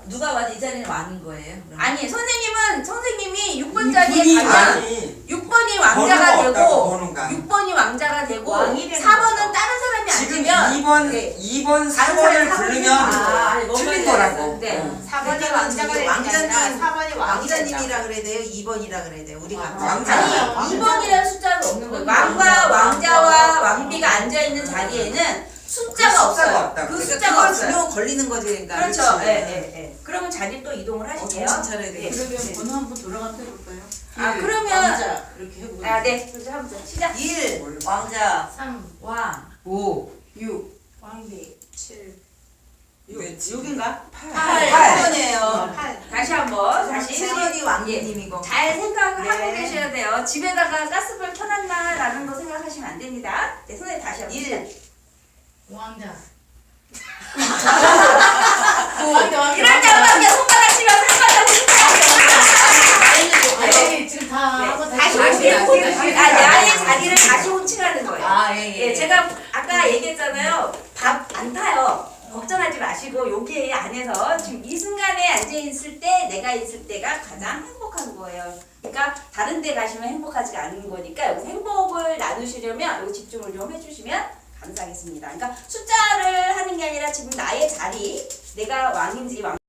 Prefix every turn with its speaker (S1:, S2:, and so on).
S1: 누가 와도 이 자리는 왕인 거예요? 그럼?
S2: 아니 선생님이 6번 자리에 가면 6번이 왕자가
S3: 번호가
S2: 되고
S3: 없다고, 번호가.
S2: 6번이 왕자가 되고
S1: 왕이 되는
S2: 4번은 다른 사람이
S3: 지금
S2: 앉으면
S3: 2번,
S2: 다른
S3: 3번을
S2: 사람이
S3: 부르면
S1: 아니, 뭔
S3: 틀린
S1: 말인지
S3: 거라고.
S1: 알았어.
S2: 네.
S3: 어.
S4: 4번이 왕자가 되는 게 아니라 4번이
S5: 왕자님이라 그래야 돼요? 2번이라 그래야 돼요? 우리가
S3: 왕자.
S2: 아니 2번이라는 숫자는 없는 거예요. 왕과 왕자와 왕비가 앉아있는 자리에는 숫자가
S3: 숫자가
S2: 없어요.
S3: 없다고.
S2: 그
S5: 그러니까
S2: 숫자가
S5: 그걸
S2: 없어요.
S5: 주면 걸리는 거지. 그러니까.
S2: 그렇죠.
S5: 그렇지.
S2: 예. 그러면 자리 또 이동을 하실게요.
S5: 정신 차려야
S2: 예.
S5: 되겠어.
S1: 그러면 번호 한번 돌아가면서 해볼까요?
S2: 아, 그러면-
S1: 왕자 이렇게 해보고
S2: 아, 네. 그래서 한번 시작.
S5: 1,
S1: 왕자
S4: 3,
S1: 왕
S3: 5,
S1: 6
S4: 왕비 7,
S1: 6인가?
S5: 8,
S3: 팔.
S5: 8번이에요.
S4: 8.
S2: 다시 한번 다시
S5: 7번이 왕비님이고.
S2: 잘 생각을 하고
S4: 네.
S2: 계셔야 돼요. 집에다가 가스불 켜놨나라는 거 생각하시면 안 됩니다. 네, 선생님 다시 한번.
S5: 1,
S4: 왕자.
S2: 이럴 때 한번 손바닥 치면서
S4: 아니 지금 다 하고
S2: 다시
S1: 다시,
S2: 호칭.
S1: 다시.
S2: 나의 자리를 다시 호칭하는 거예요.
S1: 아예예
S2: 예, 제가 아까 얘기했잖아요. 밥 안 타요. 걱정하지 마시고 여기 안에서 지금 이 순간에 앉아있을 때 내가 있을 때가 가장 행복한 거예요. 그러니까 다른 데 가시면 행복하지가 않은 거니까 여기서 행복을 나누시려면 여기 집중을 좀 해주시면 감사하겠습니다. 그러니까 숫자를 하는 게 아니라 지금 나의 자리, 내가 왕인지 왕